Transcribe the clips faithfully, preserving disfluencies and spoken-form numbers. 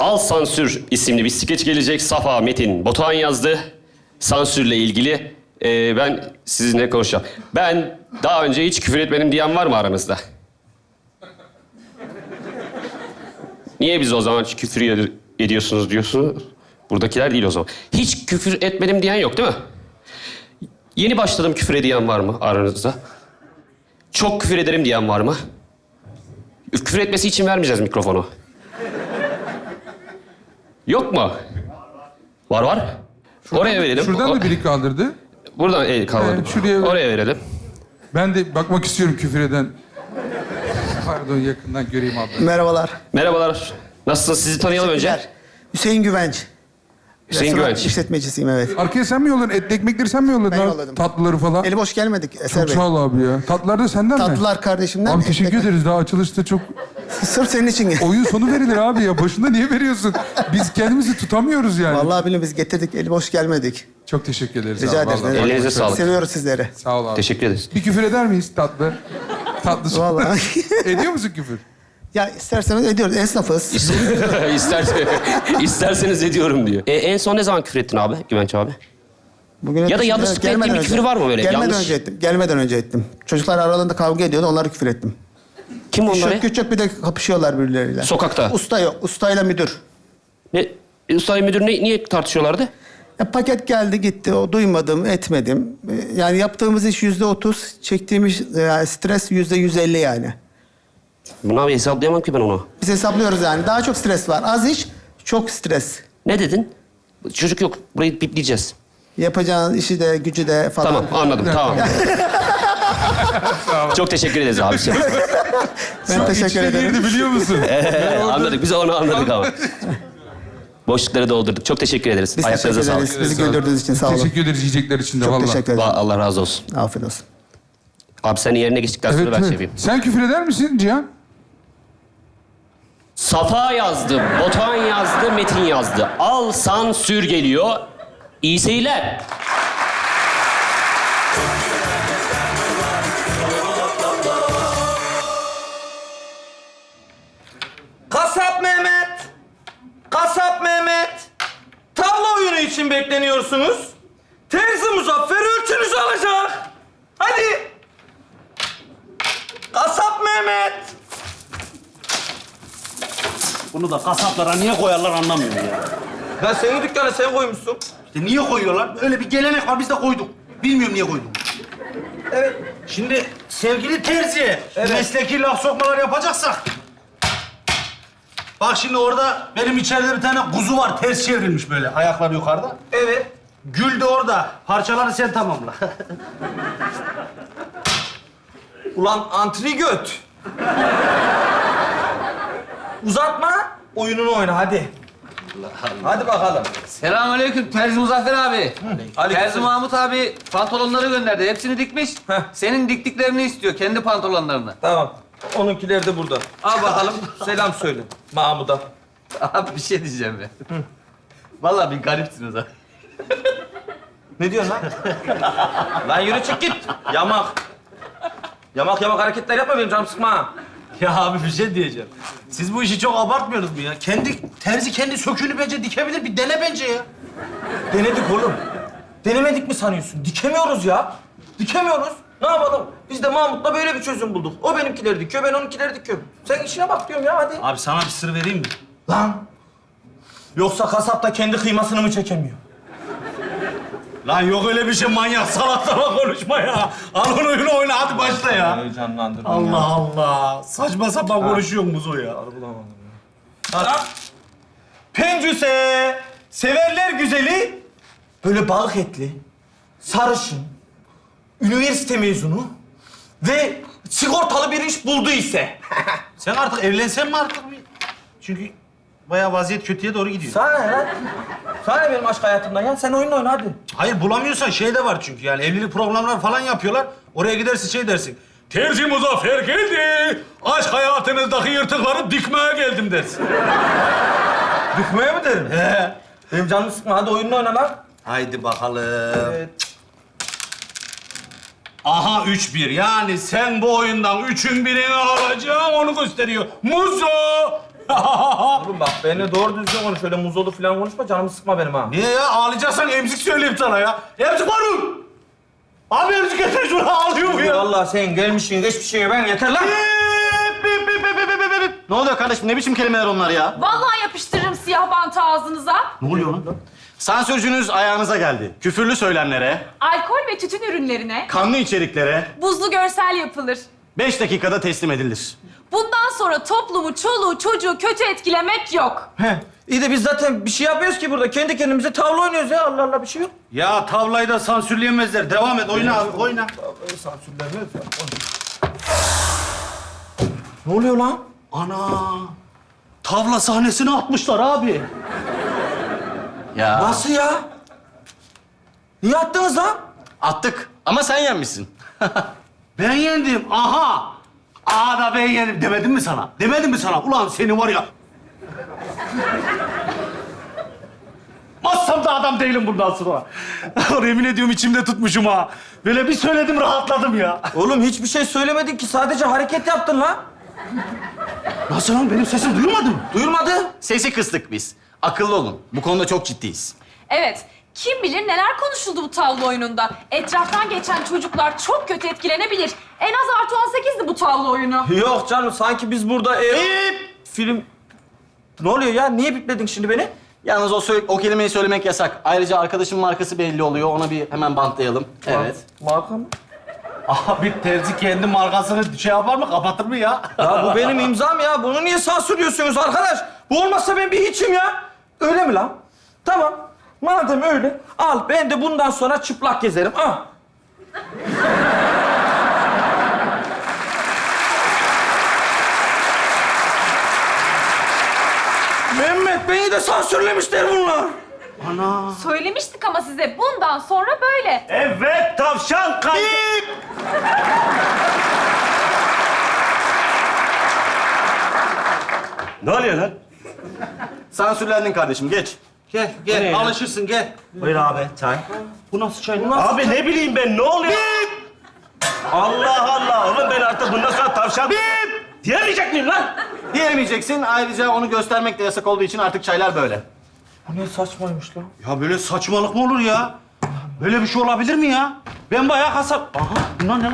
Al Sansür isimli bir skeç gelecek. Safa Metin Batuhan yazdı. Sansürle ilgili e, ben sizinle konuşacağım. Ben daha önce hiç küfür etmedim diyen var mı aranızda? Niye biz o zaman küfür ed- ediyorsunuz diyorsunuz? Buradakiler değil o zaman. Hiç küfür etmedim diyen yok değil mi? Yeni başladım küfür ediyen var mı aranızda? Çok küfür ederim diyen var mı? Küfür etmesi için vermeyeceğiz mikrofonu. Yok mu? Var var. Oraya verelim. Şuradan O- da biri kaldırdı. Buradan el kaldırdım. Evet, şuraya ver. Oraya verelim. Ben de bakmak istiyorum küfür eden. Pardon, yakından göreyim abla. Merhabalar. Merhabalar. Nasılsınız? Sizi tanıyalım önce. Teşekkürler. Hüseyin Güvenç. Hüseyin Restoran Güvenç. işletmecisiyim, evet. Arkaya sen mi yolladın? Etli ekmekleri sen mi yolladın? Ben abi? yolladım. Tatlıları falan. Eli boş gelmedik Eser Çok Bey. sağ ol abi ya. Tatlılar da senden mi? Tatlılar kardeşimden. Abi teşekkür ekmek- ederiz. Daha açılışta çok... Sırf senin için. gel- Oyun sonu verilir abi ya. Başında niye veriyorsun? Biz kendimizi tutamıyoruz yani. Vallahi billahi biz getirdik, eli boş gelmedik. Çok teşekkür ederiz Rica abi. ederiz. vallahi. ne demek. Elinize sağlık. Seviyoruz sizleri. Sağ ol abi. Teşekkür ederiz. Bir küfür eder miyiz tatlı? Tatlı. Vallahi. Ediyor musun küfür? Ya isterseniz ediyoruz, esnafız. İstersen, isterseniz ediyorum diyor. E, en son ne zaman küfür ettin abi, Güvenç abi? Bugün Ya da yanlışlıkla Gelmeden ettiğin bir önce. küfür var mı böyle? Gelmeden Yanlış. önce ettim. Gelmeden önce ettim. Çocuklar aralarında kavga ediyordu, onları küfür ettim. Kim onları? Küçük küçük bir de kapışıyorlar birbirleriyle. Sokakta. Usta yok, ustayla müdür. Ne? E, Sayın Müdür ne, niye tartışıyorlardı? Ya paket geldi gitti, o duymadım, etmedim. Ee, Yani yaptığımız iş yüzde otuz, çektiğimiz e, stres yüzde yüz elli yani. Buna bir hesaplayamam ki ben onu. Biz hesaplıyoruz yani. Daha çok stres var. Az iş, çok stres. Ne dedin? Çocuk yok. Burayı bipleyeceğiz. Yapacağın işi de, gücü de falan. Tamam, anladım. Tamam. Çok teşekkür ederiz abi. Ben teşekkür İçine ederim. girdi biliyor musun? Ee, anladık. Biz onu anladık ama. Boşlukları doldurduk. Çok teşekkür ederiz. Biz Ayaklarınıza teşekkür sağlık. ederiz. Bizi güldürdüğünüz için sağ olun. Teşekkür ederiz yiyecekler için de Çok vallahi. teşekkür ederim. Va- Allah razı olsun. Afiyet olsun. Abi sen yerine geçtikten sonra Evet, ben evet. şey yapayım. Sen küfür eder misin Cihan? Safa yazdı, Batuhan yazdı, Metin yazdı. Al Sansür geliyor. İyi seyirler. Kasap Mehmet! Kasap Mehmet! Tavla oyunu için bekleniyorsunuz. Terzi Muzaffer ölçünüzü alacak. Hadi! Kasap Mehmet! Bunu da kasaplara niye koyarlar anlamıyorum ya. Ya senin dükkana sen koymuşsun. İşte niye koyuyorlar? Öyle bir gelenek var, biz de koyduk. Bilmiyorum niye koyduk. Evet. Şimdi sevgili terzi, Evet. mesleki laf sokmalar yapacaksak... Bak şimdi orada benim içeride bir tane kuzu var, ters çevrilmiş böyle, ayakları yukarıda. Evet. Gül de orada, parçaları sen tamamla. Ulan antri göt. Uzatma, oyununu oyna hadi. Hadi bakalım. Selamünaleyküm Terzi Muzaffer abi. Terzi Mahmut abi pantolonları gönderdi. Hepsini dikmiş. Heh. Senin diktiklerini istiyor. Kendi pantolonlarını. Tamam. Onunkiler de burada. Al bakalım. Selam söyle Mahmut'a. Abi bir şey diyeceğim ben. Vallahi bir garipsiniz ha. Ne diyorsun lan? Lan yürü çık git. Yamak. Yamak yamak hareketler yapma benim canım sıkma. ha. Ya abi bir şey diyeceğim. Siz bu işi çok abartmıyorsunuz mu ya? Kendi, terzi kendi söküğünü bence dikebilir, bir dene bence ya. Denedik oğlum. Denemedik mi sanıyorsun? Dikemiyoruz ya. Dikemiyoruz. Ne yapalım? Biz de Mahmut'la böyle bir çözüm bulduk. O benimkileri dikiyor, ben onunkileri dikiyorum. Sen işine bak diyorum ya hadi. Abi sana bir sır vereyim mi? Lan. Yoksa kasap da kendi kıymasını mı çekemiyor? Lan yok öyle bir şey, manyak salak salak konuşma ya. Al onu oyunu oyna, hadi başla ya. Heyecanlandırdın Allah Allah. Saçma sapan konuşuyor Muzo ya. Hadi. Pencüse, severler güzeli, böyle balık etli, sarışın, üniversite mezunu ve sigortalı bir iş buldu ise. Sen artık evlensen mi artık? bir? Çünkü bayağı vaziyet kötüye doğru gidiyor. Sana ne lan? Sana ne benim aşk hayatımdan ya? Sen oyun oyna hadi. Hayır bulamıyorsan şey de var çünkü yani evlilik programları falan yapıyorlar. Oraya gidersin şey dersin. Terzi Muzaffer geldi. Aşk hayatınızdaki yırtıkları dikmeye geldim dersin. Dükmeye mi derim? He. Benim canımı sıkma hadi oyununu oyna lan. Haydi bakalım. Evet. Aha üç bir. Yani sen bu oyundan üçün birini alacaksın onu gösteriyor. Muzo! Oğlum bak benimle doğru düzgün konuş. Öyle muzolu falan konuşma. Canımı sıkma benim ha. Niye ya? Ağlayacaksan emzik söyleyeyim sana ya. Emzik var mı? Abi emzik getir şunu, ağlıyor bu ya. Vallahi sen gelmişsin hiçbir şeye ben yeter lan. Bip, bip, bip, bip, bip, bip, bip. Ne oluyor kardeşim? Ne biçim kelimeler onlar ya? Vallahi yapıştırırım siyah bantı ağzınıza. Ne oluyor lan? Sansürcünüz ayağınıza geldi. Küfürlü söylemlere, Alkol ve tütün ürünlerine kanlı içeriklere buzlu görsel yapılır. beş dakikada teslim edilir. Bundan sonra toplumu, çoluğu, çocuğu kötü etkilemek yok. He. İyi de biz zaten bir şey yapmıyoruz ki burada. Kendi kendimize tavla oynuyoruz ya. Allah Allah bir şey yok. Ya tavlayı da sansürleyemezler. Devam et, oyna abi, oyna. Sansürlemiyoruz ya. Ne oluyor lan? Ana! Tavla sahnesine atmışlar abi. Ya Nasıl ya? Niye attınız lan? attık ama sen yenmişsin. Ben yendim, aha! Aha da ben yendim demedim mi sana? Demedim mi sana? Ulan seni var ya... Mazsam da adam değilim bundan sonra. Yemin ediyorum içimde tutmuşum ha. Böyle bir söyledim rahatladım ya. Oğlum hiçbir şey söylemedin ki. Sadece hareket yaptın lan. Nasıl lan? Benim sesim duyulmadı mı? Duyulmadı. Sesi kıstık biz. Akıllı olun. Bu konuda çok ciddiyiz. Evet, kim bilir neler konuşuldu bu tavla oyununda. Etraftan geçen çocuklar çok kötü etkilenebilir. En az artı on sekizdi bu tavla oyunu. Yok canım sanki biz burada... E, film... Ne oluyor ya? Niye bipledin şimdi beni? Yalnız o, söyle- o kelimeyi söylemek yasak. Ayrıca arkadaşın markası belli oluyor. Ona bir hemen bantlayalım. Evet. Marka mı? Abi terzi kendi markasını şey yapar mı? Kapatır mı ya? Ya bu benim imzam ya. Bunu niye sansürlüyorsunuz arkadaş? Bu olmazsa ben bir hiçim ya. Öyle mi lan? Tamam. Madem öyle, al. Ben de bundan sonra çıplak gezerim. Al. Mehmet, beni de sansürlemişler bunlar. Söylemiştik ama size bundan sonra böyle. Evet, tavşan kay... Ne oluyor lan? Sansürlendin kardeşim. Geç. Gel, gel. Alışırsın, gel. Buyur abi, çay. Bu nasıl çay lan? Abi ne bileyim ben, ne oluyor? Allah Allah! Oğlum ben artık bundan sonra tavşan... Bip! Diyemeyecek miyim lan? Diyemeyeceksin. Ayrıca onu göstermek de yasak olduğu için artık çaylar böyle. Bu ne saçmaymış lan? Ya böyle saçmalık mı olur ya? Böyle bir şey olabilir mi ya? Ben bayağı kasap... Aha, bunlar ne lan?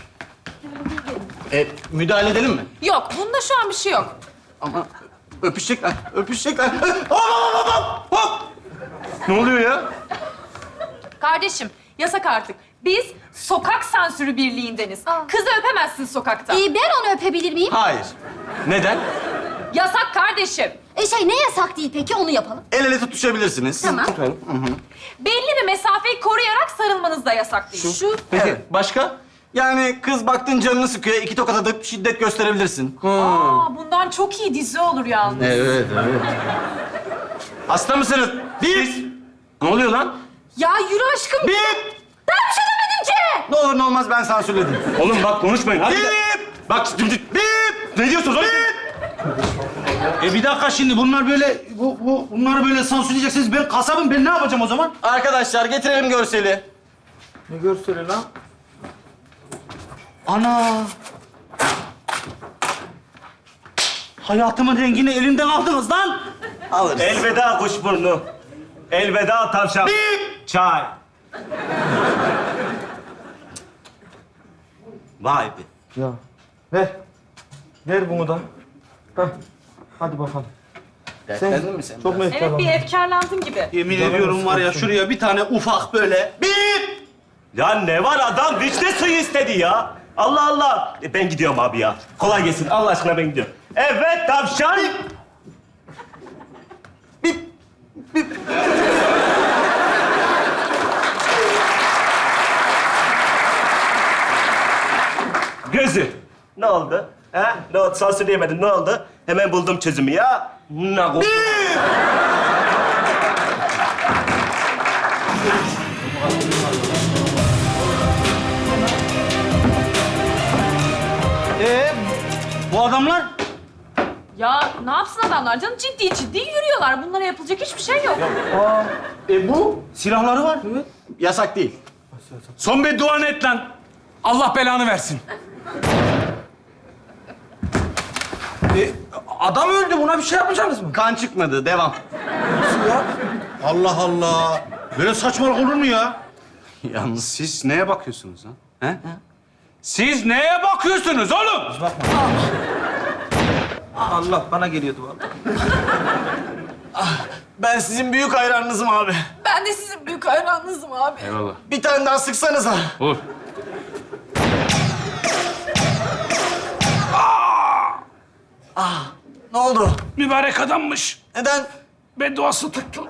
E, müdahale edelim mi? Yok, bunda şu an bir şey yok. Ama öpüşecekler. Öpüşecekler. Hop hop hop hop hop. Ne oluyor ya? Kardeşim, yasak artık. Biz sokak sansürü birliğindeniz. Kızı öpemezsin sokakta. Ee, ben onu öpebilir miyim? Hayır. Neden? Yasak kardeşim. E şey ne yasak değil peki onu yapalım. El ele tutuşabilirsiniz. Tamam. Belli bir mesafeyi koruyarak sarılmanız da yasak değil. Şu. Peki başka? Yani kız baktın canını sıkıyor, iki tokat atıp şiddet gösterebilirsin. Aa, bundan çok iyi dizi olur yalnız. Evet, evet. Hasta mısınız? Biz. Ne oluyor lan? Ya yürü aşkım. Bip! Ben bir şey demedim ki. Ne olur ne olmaz ben sansürledim. Oğlum bak konuşmayın. Hadi. Bip! Bak şimdi bip! Ne diyorsunuz oğlum? E bir dakika şimdi bunlar böyle... Bu, bu, bunları böyle sansürleyeceksiniz. Ben kasabım. Ben ne yapacağım o zaman? Arkadaşlar getirelim görseli. Ne görseli lan? Ana! Hayatımın rengini elimden aldınız lan! Alırız. Elveda kuşburnu. Elveda tavşan. Çay. Vay be. Ya. Ver. Ver bunu da. Hah. Hadi bakalım. Dertlendin mi sen? Çok mu Evet, bir efkarlandın? efkarlandın gibi. Yemin ediyorum var ya şuraya bir tane ufak böyle bip! Ya ne var adam vişne suyu istedi ya. Allah Allah. E, ben gidiyorum abi ya. Kolay gelsin. Allah aşkına ben gidiyorum. Evet tavşan. Gözü. Ne oldu? Ha? Ne oldu? Sansürleyemedin. Ne oldu? Hemen buldum çözümü ya. Ne oldu? Ee, bu adamlar? Ya ne yapsın adamlar canım? Ciddi ciddi yürüyorlar. Bunlara yapılacak hiçbir şey yok. E bu silahları var. Evet. Yasak değil. Son bir dua et lan. Allah belanı versin. E, adam öldü. Buna bir şey yapmayacaksınız mı? Kan çıkmadı. Devam. Nasıl ya? Allah Allah. Böyle saçmalık olur mu ya? Yalnız siz neye bakıyorsunuz ha? He? Siz neye bakıyorsunuz oğlum? Allah bana geliyordu vallahi. Ben sizin büyük hayranınızım abi. Ben de sizin büyük hayranınızım abi. Eyvallah. Bir tane daha sıksanıza. Vur. Ne oldu? Mübarek adammış. Neden? Bedduası tuttu.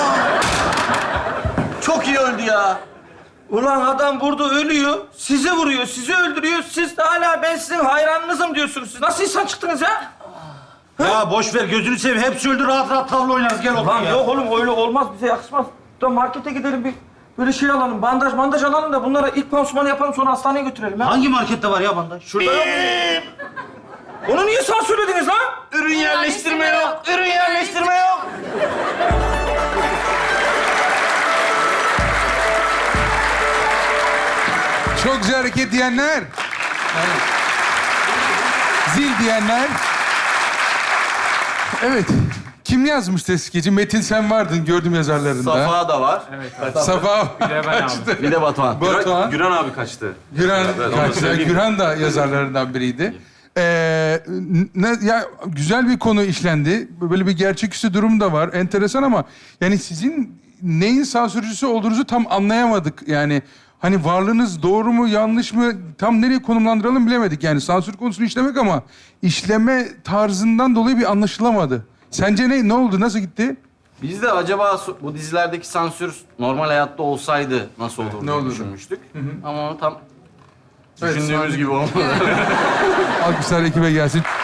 Çok iyi öldü ya. Ulan adam burada ölüyor. Sizi vuruyor, sizi öldürüyor. Siz de hala ben sizin hayranınızım diyorsunuz. Siz nasıl insan çıktınız ya? Ya boş ver gözünü seveyim. Hepsi öldü. Rahat rahat tavla oynarız. Gel otur Lan ya. yok oğlum öyle olmaz. Bize yakışmaz. Da markete gidelim bir böyle şey alalım. Bandaj bandaj alalım da bunlara ilk pansumanı yapalım sonra hastaneye götürelim ha. Hangi markette var ya bandaj? Şurada yok mu? Onu niye sansürlediniz lan? Ürün yerleştirme yok. Ürün yerleştirme yok. Çok güzel hareket diyenler. Evet. Zil diyenler. Evet. Kim yazmış skeci? Metin sen vardın gördüm yazarlarında. Safa da var. Safa. kaçtı. Bir de Batuhan. Batuhan. Güran abi kaçtı. Güran, onu kaçtı. söyleyeyim. Güran da yazarlarından biriydi. Ee, ne, ya güzel bir konu işlendi. Böyle bir gerçeküstü durum da var. Enteresan ama yani sizin neyin sansürcüsü olduğunuzu tam anlayamadık. Yani hani varlığınız doğru mu yanlış mı tam nereye konumlandıralım bilemedik. Yani sansür konusunu işlemek ama işleme tarzından dolayı bir anlaşılamadı. Sence ne ne oldu? Nasıl gitti? Biz de acaba su- bu dizilerdeki sansür normal hayatta olsaydı nasıl olurdu Ne diye olurdu? düşünmüştük. Ama onu tam Evet, düşündüğümüz sansür- gibi olmadı. Alkışlar ekibe gelsin.